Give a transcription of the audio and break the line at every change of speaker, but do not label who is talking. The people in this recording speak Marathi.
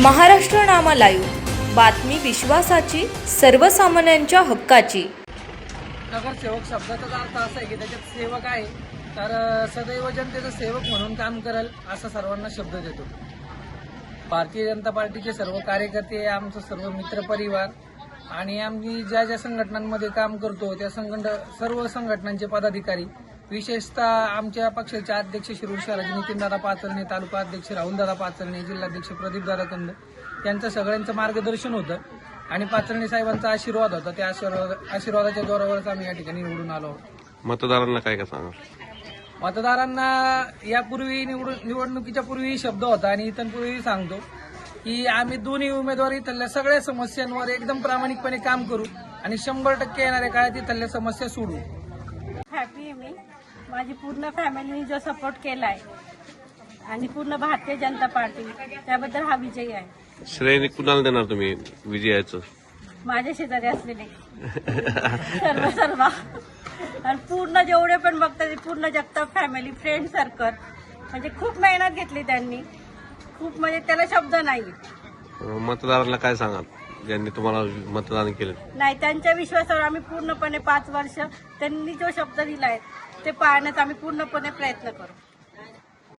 महाराष्ट्र नामा लाईव्ह, बातमी विश्वासाची, सर्वसामान्यांच्या हक्काची.
नगरसेवक शब्दाचा अर्थ असा आहे की त्याच्यात सेवक आहे, तर सदैव जनतेचा सेवक म्हणून काम करेल असा सर्वांना शब्द देतो. भारतीय जनता पार्टीचे सर्व कार्यकर्ते, आमचा सर्व मित्रपरिवार आणि आम्ही ज्या ज्या संघटनांमध्ये काम करतो त्या सर्व संघटनांचे पदाधिकारी, विशेषतः आमच्या पक्षाचे अध्यक्ष शिरूर शहराचे नितीनदादा पाचरणे, तालुका अध्यक्ष राहुलदादा पाचरणे, जिल्हाध्यक्ष प्रदीपदादा कंद यांचं सगळ्यांचं मार्गदर्शन होतं आणि पाचरणे साहेबांचा आशीर्वाद होता. त्या आशीर्वादाच्या जोरावरच आम्ही या ठिकाणी निवडून आलो आहोत.
मतदारांना काय काय सांगा?
मतदारांना यापूर्वी निवडणुकीच्या पूर्वी शब्द होता आणि इथूनपूर्वी सांगतो की आम्ही दोन्ही उमेदवार इथल्या सगळ्या समस्यांवर एकदम प्रामाणिकपणे काम करू आणि 100% येणाऱ्या काळात इथल्या समस्या सोडवू.
हॅपी आहे मी. माझी पूर्ण फॅमिलीने जो सपोर्ट केलाय आणि पूर्ण भारतीय जनता पार्टी, त्याबद्दल हा विजय आहे.
श्रेय कुणाला देणार तुम्ही विजयाचं?
माझ्या शेजारी असलेले सर्व आणि पूर्ण जेवढे पण बघतात, पूर्ण जगताप फॅमिली, फ्रेंड सर्कल, म्हणजे खूप मेहनत घेतली त्यांनी, खूप, म्हणजे त्याला शब्द नाही.
मतदारांना काय सांगाल ज्यांनी तुम्हाला मतदान केलं?
नाही, त्यांच्या विश्वासावर आम्ही पूर्णपणे 5 वर्ष त्यांनी जो शब्द दिलाय ते पाळण्याचा आम्ही पूर्णपणे प्रयत्न करू.